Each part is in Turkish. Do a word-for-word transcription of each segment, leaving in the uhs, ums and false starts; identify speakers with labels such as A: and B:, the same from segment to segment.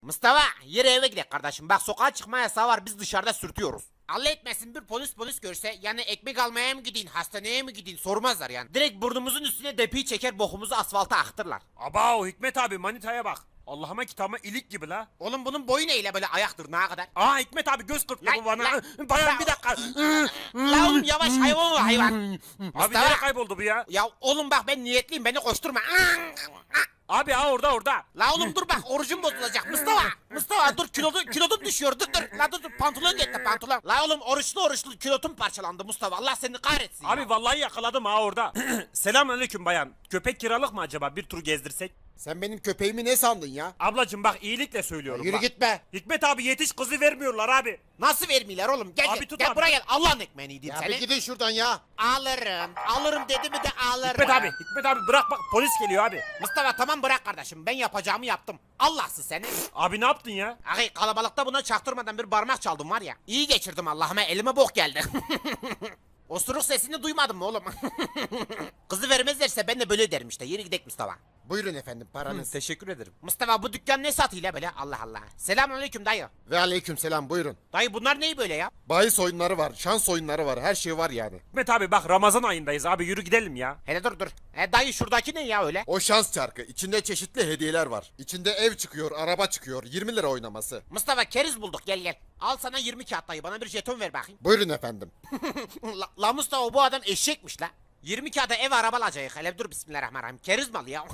A: Mustafa yürü eve gidelim kardeşim. Bak sokağa çıkma yasağı var, biz dışarıda sürtüyoruz. Allah etmesin bir polis polis görse yani ekmek almaya mı gidin hastaneye mi gidin sormazlar yani. Direkt burnumuzun üstüne depiyi çeker bokumuzu asfalta aktırlar.
B: Aba o Hikmet abi manitaya bak. Allah'ıma kitabıma ilik gibi la.
A: Oğlum bunun boyu neyle böyle ayak tırnağa kadar?
B: Aa Hikmet abi göz kırptı
A: Lan,
B: bu bana.
A: lan.
B: Bayan bir dakika.
A: La oğlum yavaş hayvan o hayvan.
B: Abi nereye kayboldu bu ya?
A: Ya oğlum bak ben niyetliyim, beni koşturma.
B: Abi ha orada orada.
A: La oğlum dur bak orucum bozulacak Mustafa. Mustafa dur kilodun, kilodun düşüyor dur dur. La dur dur pantolon gitti pantolon. La oğlum oruçlu oruçlu kilodum parçalandı Mustafa, Allah seni kahretsin.
B: Abi
A: ya.
B: vallahi yakaladım ha orada. Selamünaleyküm bayan. Köpek kiralık mı acaba, bir tur gezdirsek?
C: Sen benim köpeğimi ne sandın ya?
B: Ablacım bak iyilikle söylüyorum.
C: Yürü
B: bak.
C: gitme.
B: Hikmet abi yetiş, kızı vermiyorlar abi.
A: Nasıl vermiyorlar oğlum? Gel
B: Abi
A: gel,
B: tut
A: gel
B: abi.
A: buraya gel. Allah'ın ekmeğini yediğim
C: Ya
A: seni.
C: bir gidin şuradan ya.
A: Alırım. Alırım dedi mi de alırım.
B: Hikmet abi, Hikmet abi bırak bak polis geliyor abi.
A: Mustafa tamam bırak kardeşim. Ben yapacağımı yaptım. Allah'sız seni.
B: Abi ne yaptın ya?
A: Ay kalabalıkta buna çaktırmadan bir parmak çaldım var ya. İyi geçirdim Allah'ıma, elime bok geldi. Osuruk sesini duymadın mı oğlum? Kızı vermezlerse ben de böyle derim işte. Yürü gidelim Mustafa.
C: Buyurun efendim paranız.
B: Teşekkür ederim.
A: Mustafa bu dükkan ne satıyla böyle? Allah Allah. Selamünaleyküm dayı.
C: Ve aleyküm selam buyurun.
A: Dayı bunlar neyi böyle ya?
C: Bahis oyunları var, şans oyunları var, her şey var yani.
B: Hikmet abi bak Ramazan ayındayız abi, yürü gidelim ya.
A: Hele dur dur. E dayı şuradaki ne ya öyle?
C: O şans çarkı. İçinde çeşitli hediyeler var. İçinde ev çıkıyor, araba çıkıyor. yirmi lira oynaması.
A: Mustafa keriz bulduk, gel gel. Al sana yirmi kağıt dayı, bana bir jeton ver bakayım.
C: Buyurun efendim.
A: la, la Mustafa bu adam eşekmiş la. yirmi kağıda ev araba alacak. Hele dur bismillahirrahmanirrahim. Keriz malı ya.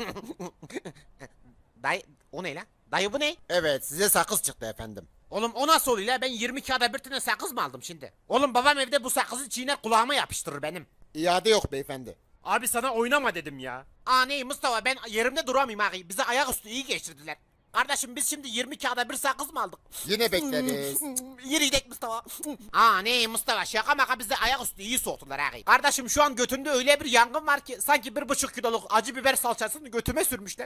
A: Dayı o ne la? Dayı bu ne?
C: Evet size sakız çıktı efendim.
A: Oğlum o nasıl oluyor la? Ben yirmi kağıda bir tane sakız mı aldım şimdi? Oğlum babam evde bu sakızı çiğner kulağıma yapıştırır benim.
C: İade yok beyefendi.
B: Abi sana oynama dedim ya.
A: Aa ne Mustafa, ben yerimde duramayayım ağabey. Bize ayaküstü iyi geçirdiler. Kardeşim biz şimdi yirmi kağıda bir sakız mı aldık?
C: Yine bekleriz.
A: Yürü gidelim Mustafa. Aa ne Mustafa, şaka maka bize ayaküstü iyi soğuttular ağabey. Kardeşim şu an götümde öyle bir yangın var ki sanki bir buçuk kiloluk acı biber salçasını götüme sürmüşler.